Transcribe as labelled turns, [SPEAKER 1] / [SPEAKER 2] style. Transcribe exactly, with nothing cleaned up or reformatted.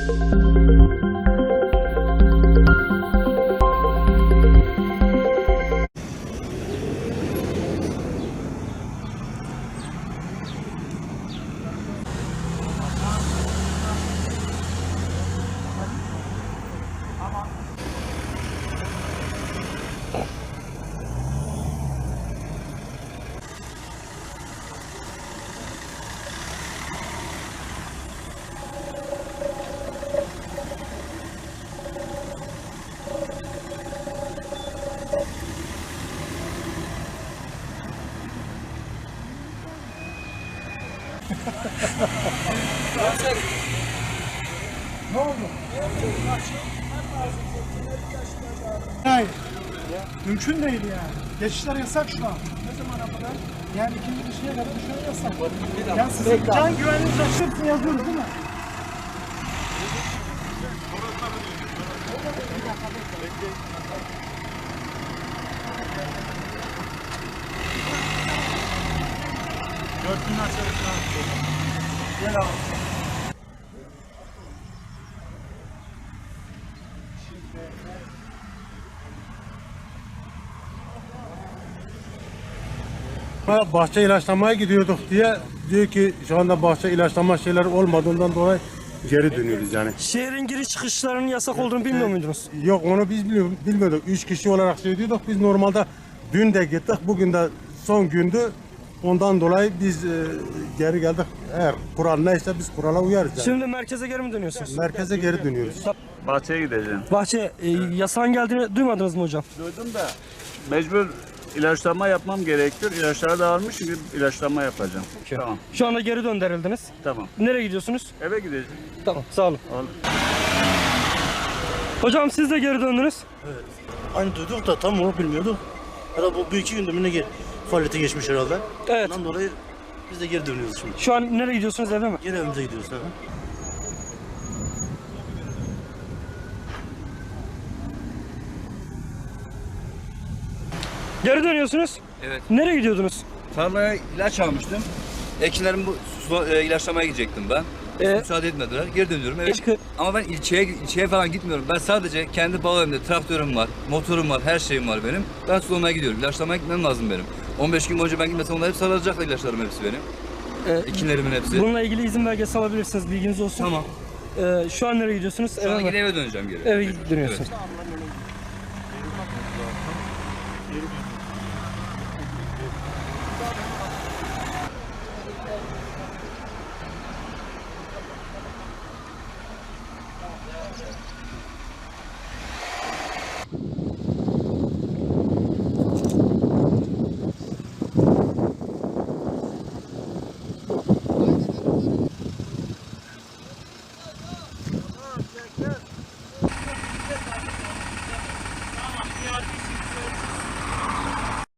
[SPEAKER 1] Ne oldu? Hayır. Mümkün değil yani. Geçişler yasak şu an. Ne zamana kadar? Yani ikinci bir şeye kadar dışarı yasak. Yani sizin can güvenliğiniz açısından yazıyoruz değil mi? Dört bin açarız. Gel abi.
[SPEAKER 2] Bahçe ilaçlamaya gidiyorduk diye diyor ki şu anda bahçe ilaçlama şeyler olmadığından dolayı geri dönüyoruz yani.
[SPEAKER 3] Şehrin giriş çıkışlarının yasak olduğunu bilmiyor muydunuz?
[SPEAKER 2] Yok onu biz bilmiyorduk. Üç kişi olarak söylüyorduk. Biz normalde dün de gittik. Bugün de son gündü. Ondan dolayı biz e, geri geldik. Eğer kural neyse biz kurala uyarız yani.
[SPEAKER 3] Şimdi merkeze geri mi dönüyorsunuz?
[SPEAKER 2] Merkeze geri dönüyoruz.
[SPEAKER 4] Bahçeye gideceğim.
[SPEAKER 3] Bahçe e, yasağın geldiğini duymadınız mı hocam?
[SPEAKER 4] Duydum da mecbur ilaçlama yapmam gerekiyor. İlaçları da almış çünkü ilaçlama yapacağım. Tamam.
[SPEAKER 3] Şu anda geri döndürüldünüz.
[SPEAKER 4] Tamam.
[SPEAKER 3] Nereye gidiyorsunuz?
[SPEAKER 4] Eve gideceğim.
[SPEAKER 3] Tamam, sağ olun.
[SPEAKER 4] Al.
[SPEAKER 3] Hocam siz de geri döndünüz.
[SPEAKER 5] Aynı duyduk da tam onu bilmiyorduk. Herhalde bu bir iki gündür mü ne faaliyete geçmiş herhalde.
[SPEAKER 3] Evet.
[SPEAKER 5] Ondan dolayı biz de geri dönüyoruz şimdi.
[SPEAKER 3] Şu an nereye gidiyorsunuz, eve mi?
[SPEAKER 5] Geri evimize gidiyoruz. He.
[SPEAKER 3] Geri dönüyorsunuz.
[SPEAKER 6] Evet.
[SPEAKER 3] Nereye gidiyordunuz?
[SPEAKER 6] Tarlaya ilaç almıştım. Ekinlerimi bu su- e, ilaçlamaya gidecektim ben.
[SPEAKER 3] Ee,
[SPEAKER 6] Müsaade etmediler. Geri dönüyorum. Evet.
[SPEAKER 3] Keşke-
[SPEAKER 6] Ama ben ilçeye ilçeye falan gitmiyorum. Ben sadece kendi bağımda traktörüm var, motorum var, her şeyim var benim. Ben sulamaya gidiyorum. İlaçlamaya gitmem lazım benim. on beş gün boyunca ben gitmesem onlar hep sarılacak ilaçlarım hepsi benim.
[SPEAKER 3] Ee,
[SPEAKER 6] Ekinlerimin hepsi.
[SPEAKER 3] Bununla ilgili izin belgesi alabilirsiniz, bilginiz olsun.
[SPEAKER 6] Tamam.
[SPEAKER 3] Ee, şu an nereye gidiyorsunuz?
[SPEAKER 6] Şu
[SPEAKER 3] Eve
[SPEAKER 6] an
[SPEAKER 3] mi?
[SPEAKER 6] yine eve döneceğim geri.
[SPEAKER 3] Eve dönüyorsunuz.